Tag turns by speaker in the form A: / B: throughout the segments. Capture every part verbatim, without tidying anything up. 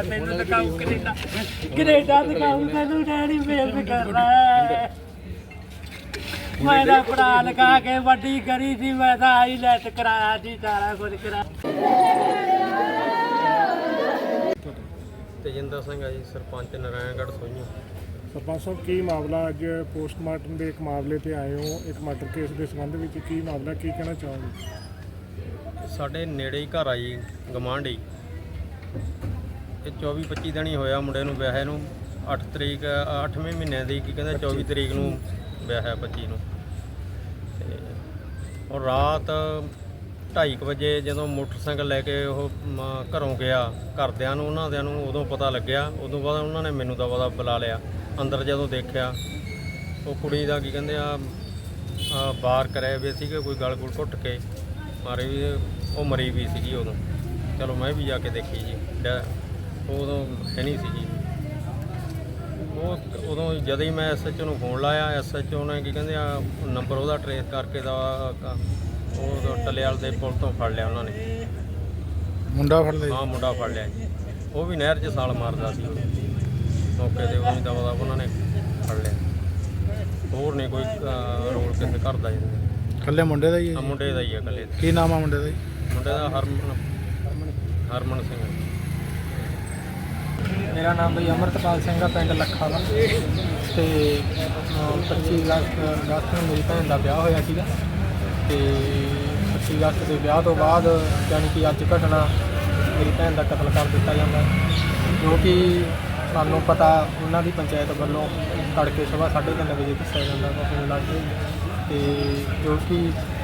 A: ਮੈਨੂੰ ਦਿਖਾਓ Canada Canada ਦਿਖਾਓ ਮੈਨੂੰ ਡੈਡੀ ਮਿਹਨਤ ਕਰਨਾ ਹੈ। ਮੈਂ ਤਾਂ ਪੜਾ ਲਗਾ ਕੇ ਵੱਡੀ ਕਰੀ ਸੀ, ਮੈਂ ਤਾਂ ਆਈਲੈਟ ਕਰਾਇਆ ਸੀ, ਸਾਰਾ ਕੁਝ ਕਰਾ।
B: ਤੇਜਿੰਦਰ ਸਿੰਘ ਹੈ ਜੀ, ਸਰਪੰਚ ਨਾਰਾਇਣਗੜ੍ਹ ਸੋਈਆਂ।
C: ਸਰਪੰਚ ਸਾਹਿਬ, ਕੀ ਮਾਮਲਾ ਅੱਜ ਪੋਸਟਮਾਰਟਮ ਦੇ ਇੱਕ ਮਾਮਲੇ ਤੇ ਆਏ ਹੋ, ਇੱਕ ਮਰਡਰ ਕੇਸ ਦੇ ਸੰਬੰਧ ਵਿੱਚ ਕੀ ਮਾਮਲਾ, ਕੀ ਕਹਿਣਾ ਚਾਹੋਗੇ?
B: ਸਾਡੇ ਨੇੜੇ ਹੀ ਘਰ ਆ ਜੀ, ਗਵਾਂਢੀ। ਇਹ ਚੌਵੀ ਪੱਚੀ ਦਿਨ ਹੀ ਹੋਇਆ ਮੁੰਡੇ ਨੂੰ ਵਿਆਹੇ ਨੂੰ। ਅੱਠ ਤਰੀਕ ਅੱਠਵੇਂ ਮਹੀਨੇ ਦੀ ਕੀ ਕਹਿੰਦੇ ਚੌਵੀ ਤਰੀਕ ਨੂੰ ਵਿਆਹਿਆ ਪੱਚੀ ਨੂੰ। ਅਤੇ ਉਹ ਰਾਤ ਢਾਈ ਕੁ ਵਜੇ ਜਦੋਂ ਮੋਟਰਸਾਈਕਲ ਲੈ ਕੇ ਉਹ ਮ- ਘਰੋਂ ਗਿਆ, ਘਰਦਿਆਂ ਨੂੰ ਉਹਨਾਂ ਦਿਆਂ ਨੂੰ ਉਦੋਂ ਪਤਾ ਲੱਗਿਆ। ਉਦੋਂ ਬਾਅਦ ਉਹਨਾਂ ਨੇ ਮੈਨੂੰ ਤਾਂ ਪਤਾ ਬੁਲਾ ਲਿਆ। ਅੰਦਰ ਜਦੋਂ ਦੇਖਿਆ ਉਹ ਕੁੜੀ ਦਾ ਕੀ ਕਹਿੰਦੇ ਆ ਬਾਹਰ ਕਰਿਆ ਵੀ ਸੀਗੇ, ਕੋਈ ਗਲ ਗੁਲ ਘੁੱਟ ਕੇ ਮਾਰੇ ਵੀ, ਉਹ ਮਰੀ ਵੀ ਸੀਗੀ ਉਦੋਂ। ਚਲੋ ਮੈਂ ਵੀ ਜਾ ਕੇ ਦੇਖੀ ਜੀ, ਡੈ ਉਦੋਂ ਹੈ ਨਹੀਂ ਸੀਗੀ ਉਹ। ਉਦੋਂ ਜਦੋਂ ਹੀ ਮੈਂ ਐਸ ਐਚ ਓ ਨੂੰ ਫੋਨ ਲਾਇਆ, ਐਸ ਐਚ ਓ ਨੇ ਕੀ ਕਹਿੰਦੇ ਆ ਨੰਬਰ ਉਹਦਾ ਟਰੇਸ ਕਰਕੇ ਦਾ ਉਹ ਟੱਲੇਵਾਲ ਦੇ ਪੁਲ ਤੋਂ ਫੜ ਲਿਆ ਉਹਨਾਂ ਨੇ।
C: ਮੁੰਡਾ ਫੜ ਲਿਆ?
B: ਹਾਂ, ਮੁੰਡਾ ਫੜ ਲਿਆ ਜੀ। ਉਹ ਵੀ ਨਹਿਰ 'ਚ ਛਾਲ ਮਾਰਦਾ ਸੀ ਮੌਕੇ 'ਤੇ, ਉਹੀ ਦਵਾ ਦਾ ਉਹਨਾਂ ਨੇ ਫੜ ਲਿਆ। ਹੋਰ ਨਹੀਂ ਕੋਈ ਰੋਲ ਕਿਸੇ ਘਰ ਦਾ ਜੀ।
C: ਇਕੱਲੇ ਮੁੰਡੇ ਦਾ ਹੀ ਹੈ?
B: ਮੁੰਡੇ ਦਾ ਹੀ ਹੈ ਇਕੱਲੇ।
C: ਕੀ ਨਾਮ ਆ ਮੁੰਡੇ ਦਾ ਜੀ?
B: ਮੁੰਡੇ ਦਾ ਹਰਮਨ ਹਰਮਨ ਸਿੰਘ।
A: ਮੇਰਾ ਨਾਮ ਬਈ ਅਮਰਤਪਾਲ ਸਿੰਘ ਆ, ਪਿੰਡ ਲੱਖਾ ਦਾ। ਅਤੇ ਪੱਚੀ ਅਗਸਤ ਅਗਸਤ ਨੂੰ ਮੇਰੀ ਭੈਣ ਦਾ ਵਿਆਹ ਹੋਇਆ ਸੀਗਾ। ਅਤੇ ਪੱਚੀ ਅਗਸਤ ਦੇ ਵਿਆਹ ਤੋਂ ਬਾਅਦ ਯਾਨੀ ਕਿ ਅੱਜ ਘਟਨਾ ਮੇਰੀ ਭੈਣ ਦਾ ਕਤਲ ਕਰ ਦਿੱਤਾ ਜਾਂਦਾ, ਜੋ ਕਿ ਸਾਨੂੰ ਪਤਾ ਉਹਨਾਂ ਦੀ ਪੰਚਾਇਤ ਵੱਲੋਂ ਤੜਕੇ ਸੁਬਾਹ ਸਾਢੇ ਤਿੰਨ ਵਜੇ ਦੱਸਿਆ ਜਾਂਦਾ ਵਾ ਫੋਨ ਲਾ ਕੇ। ਅਤੇ ਜੋ ਕਿ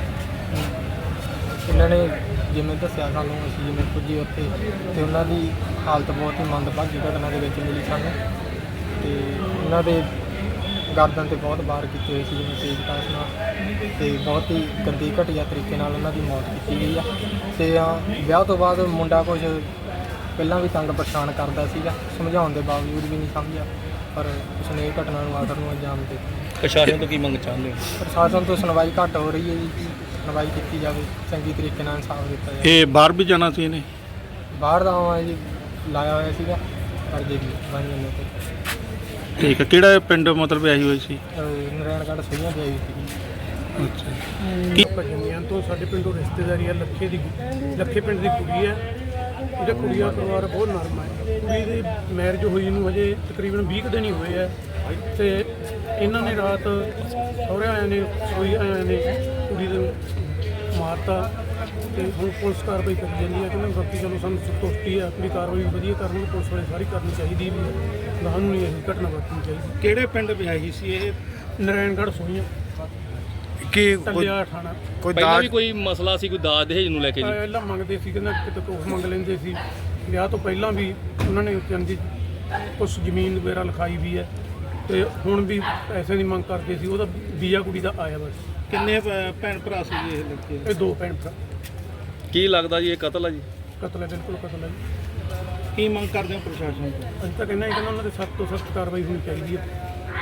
A: ਇਹਨਾਂ ਨੇ ਜਿਵੇਂ ਦੱਸਿਆ ਸਾਨੂੰ, ਅਸੀਂ ਜਿਵੇਂ ਪੁੱਜੇ ਉੱਥੇ ਅਤੇ ਉਹਨਾਂ ਦੀ ਹਾਲਤ ਬਹੁਤ ਹੀ ਮੰਦਭਾਗੀ ਘਟਨਾ ਦੇ ਵਿੱਚ ਮਿਲੀ ਸਾਨੂੰ। ਅਤੇ ਉਹਨਾਂ ਦੇ ਗਰਦਨ 'ਤੇ ਬਹੁਤ ਵਾਰ ਕੀਤੇ ਹੋਏ ਸੀ, ਜਿਵੇਂ ਤੇਜ਼ ਕਾਸ ਨਾਲ, ਅਤੇ ਬਹੁਤ ਹੀ ਗੰਦੀ ਘਟੀਆ ਤਰੀਕੇ ਨਾਲ ਉਹਨਾਂ ਦੀ ਮੌਤ ਕੀਤੀ ਗਈ ਆ। ਅਤੇ ਵਿਆਹ ਤੋਂ ਬਾਅਦ ਮੁੰਡਾ ਕੁਝ ਪਹਿਲਾਂ ਵੀ ਤੰਗ ਪਰੇਸ਼ਾਨ ਕਰਦਾ ਸੀਗਾ, ਸਮਝਾਉਣ ਦੇ ਬਾਵਜੂਦ ਵੀ ਨਹੀਂ ਸਮਝਿਆ, ਪਰ ਉਸਨੇ ਇਹ ਘਟਨਾ ਨੂੰ ਆਖਰ ਨੂੰ ਅੰਜਾਮ ਦੇ ਦਿੱਤਾ।
D: ਪ੍ਰਸ਼ਾਸਨ ਤੋਂ ਕੀ ਮੰਗ ਚਾਹੁੰਦੇ ਹੋ?
A: ਪ੍ਰਸ਼ਾਸਨ ਤੋਂ ਸੁਣਵਾਈ ਘੱਟ ਹੋ ਰਹੀ ਹੈ ਜੀ, ਸੁਣਵਾਈ ਕੀਤੀ ਜਾਵੇ, ਚੰਗੀ ਤਰੀਕੇ ਨਾਲ ਇਨਸਾਫ ਦਿੱਤਾ ਜਾਵੇ।
D: ਇਹ ਬਾਹਰ ਵੀ ਜਾਣਾ ਸੀ ਇਹਨੇ?
A: ਬਾਹਰ ਦਾ ਆਵਾਂ ਜੀ ਲਾਇਆ ਹੋਇਆ ਸੀਗਾ, ਪਰ ਜੇ ਵੀ ਬਣ ਜਾਂਦੇ ਤੇ।
D: ਠੀਕ ਹੈ। ਕਿਹੜਾ ਪਿੰਡ ਮਤਲਬ ਆਈ ਹੋਈ ਸੀ?
A: ਨਾਰਾਇਣਗੜ੍ਹ ਸਹੀਆਂ ਦੀ ਆਈ ਸੀਗੀ।
D: ਅੱਛਾ। ਕੀ
C: ਭਜਨੀਆਂ ਤੋਂ ਸਾਡੇ ਪਿੰਡੋਂ ਰਿਸ਼ਤੇਦਾਰੀ ਹੈ, ਲੱਖੇ ਦੀ ਲੱਖੇ ਪਿੰਡ ਦੀ ਕੁੜੀ ਹੈ। ਇਹਦਾ ਕੁੜੀ ਦਾ ਪਰਿਵਾਰ ਬਹੁਤ ਨਰਮ ਹੈ। ਕੁੜੀ ਦੀ ਮੈਰਿਜ ਹੋਈ ਨੂੰ ਹਜੇ ਤਕਰੀਬਨ ਵੀਹ ਕੁ ਦਿਨ ਹੀ ਹੋਏ ਆ, ਅਤੇ ਇਹਨਾਂ ਨੇ ਰਾਤ ਸਹੁਰੇ ਆਇਆਂ ਨੇ ਸੋਈ ਆਇਆਂ ਨੇ ਕੁੜੀ ਦੇ ਮਾਰਤਾ। ਅਤੇ ਹੁਣ ਪੁਲਿਸ ਕਾਰਵਾਈ ਕਰੀ ਜਾਂਦੀ ਹੈ ਕਿ ਬਾਕੀ ਚਲੋ ਸਾਨੂੰ ਸੰਤੁਸ਼ਟੀ ਹੈ, ਆਪਣੀ ਕਾਰਵਾਈ ਵਧੀਆ ਕਰਨ, ਪੁਲਿਸ ਵਾਲੇ ਸਾਰੀ ਕਰਨੀ ਚਾਹੀਦੀ ਵੀ ਹੈ, ਗਾਹਾਂ ਨੂੰ ਨਹੀਂ ਇਹ ਘਟਨਾ ਵਾਪਰਨੀ ਚਾਹੀਦੀ।
D: ਕਿਹੜੇ ਪਿੰਡ ਵਿਆਹੀ ਸੀ ਇਹ?
C: ਨਾਰਾਇਣਗੜ੍ਹ ਸੋਈਆਂ,
D: ਕੀ
C: ਟੱਲਿਆ ਠਾਣਾ।
D: ਕੋਈ
E: ਪਹਿਲਾਂ ਵੀ ਕੋਈ ਮਸਲਾ ਸੀ, ਕੋਈ ਦਾਜ ਦਹੇਜ ਨੂੰ ਲੈ ਕੇ ਜੀ?
C: ਪਹਿਲਾਂ ਮੰਗਦੇ ਸੀ, ਕਹਿੰਦਾ ਕਿਤੇ ਕੁਛ ਮੰਗ ਲੈਂਦੇ ਸੀ। ਵਿਆਹ ਤੋਂ ਪਹਿਲਾਂ ਵੀ ਉਹਨਾਂ ਨੇ ਚੰਗੀ ਕੁਛ ਜ਼ਮੀਨ ਵਗੈਰਾ ਲਿਖਾਈ ਵੀ ਹੈ, ਅਤੇ ਹੁਣ ਵੀ ਪੈਸੇ ਦੀ ਮੰਗ ਕਰਦੇ ਸੀ। ਉਹਦਾ ਵੀਜ਼ਾ ਕੁੜੀ ਦਾ ਆਇਆ ਬਸ।
D: ਕਿੰਨੇ ਭੈਣ ਭਰਾ ਸੀ ਇਹ ਲੜਕੇ?
C: ਇਹ ਦੋ ਭੈਣ ਭਰਾ।
E: ਕੀ ਲੱਗਦਾ ਜੀ ਇਹ ਕਤਲ ਆ ਜੀ?
C: ਕਤਲ ਹੈ, ਬਿਲਕੁਲ ਕਤਲ ਹੈ ਜੀ।
D: ਕੀ ਮੰਗ ਕਰਦੇ ਹੋ ਪ੍ਰਸ਼ਾਸਨ ਤੋਂ?
C: ਅਸੀਂ ਤਾਂ ਕਹਿੰਦਾ ਕਹਿੰਦਾ ਉਹਨਾਂ ਦੇ ਸਖਤ ਤੋਂ ਸਖਤ ਕਾਰਵਾਈ ਹੋਣੀ ਚਾਹੀਦੀ ਹੈ।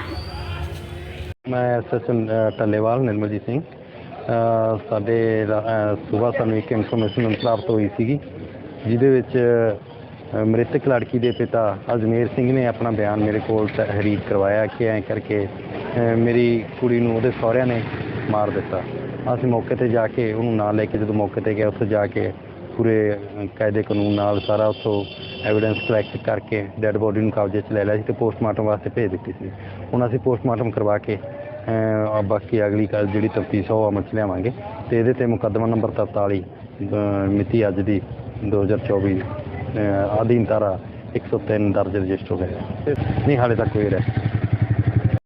F: ਮੈਂ S H O Tallewal Nirmaljeet Singh. ਸਾਡੇ ਸੁਬਾਹ ਸਾਨੂੰ ਇੱਕ ਇਨਫੋਰਮੇਸ਼ਨ ਪ੍ਰਾਪਤ ਹੋਈ ਸੀਗੀ, ਜਿਹਦੇ ਵਿੱਚ ਮ੍ਰਿਤਕ ਲੜਕੀ ਦੇ ਪਿਤਾ ਅਜਮੇਰ ਸਿੰਘ ਨੇ ਆਪਣਾ ਬਿਆਨ ਮੇਰੇ ਕੋਲ ਤਹਿਰੀਰ ਕਰਵਾਇਆ ਕਿ ਐਂ ਕਰਕੇ ਮੇਰੀ ਕੁੜੀ ਨੂੰ ਉਹਦੇ ਸਹੁਰਿਆਂ ਨੇ ਮਾਰ ਦਿੱਤਾ। ਅਸੀਂ ਮੌਕੇ 'ਤੇ ਜਾ ਕੇ ਉਹਨੂੰ ਨਾਲ ਲੈ ਕੇ ਜਦੋਂ ਮੌਕੇ 'ਤੇ ਗਏ, ਉੱਥੇ ਜਾ ਕੇ ਪੂਰੇ ਕਾਇਦੇ ਕਾਨੂੰਨ ਨਾਲ ਸਾਰਾ ਉੱਥੋਂ ਐਵੀਡੈਂਸ ਕਲੈਕਟ ਕਰਕੇ ਡੈੱਡ ਬੋਡੀ ਨੂੰ ਕਬਜ਼ੇ 'ਚ ਲੈ ਲਿਆ ਸੀ ਅਤੇ ਪੋਸਟਮਾਰਟਮ ਵਾਸਤੇ ਭੇਜ ਦਿੱਤੀ ਸੀ। ਹੁਣ ਅਸੀਂ ਪੋਸਟਮਾਰਟਮ ਕਰਵਾ ਕੇ ਬਾਕੀ ਅਗਲੀ ਕੱਲ ਜਿਹੜੀ ਤਫਤੀਸ਼ ਉਹ ਅਮਲ 'ਚ ਲਿਆਵਾਂਗੇ, ਅਤੇ ਇਹਦੇ 'ਤੇ ਮੁਕੱਦਮਾ ਨੰਬਰ ਤਰਤਾਲੀ ਮਿਤੀ ਅੱਜ ਦੀ ਦੋ ਹਜ਼ਾਰ ਚੌਵੀ ਅਧੀਨ ਧਾਰਾ ਇੱਕ ਸੌ ਤਿੰਨ ਦਰਜ ਰਜਿਸਟਰ ਹੋ ਗਿਆ। ਨਹੀਂ, ਹਾਲੇ ਤੱਕ ਕੋਈ ਅਰੈਸਟ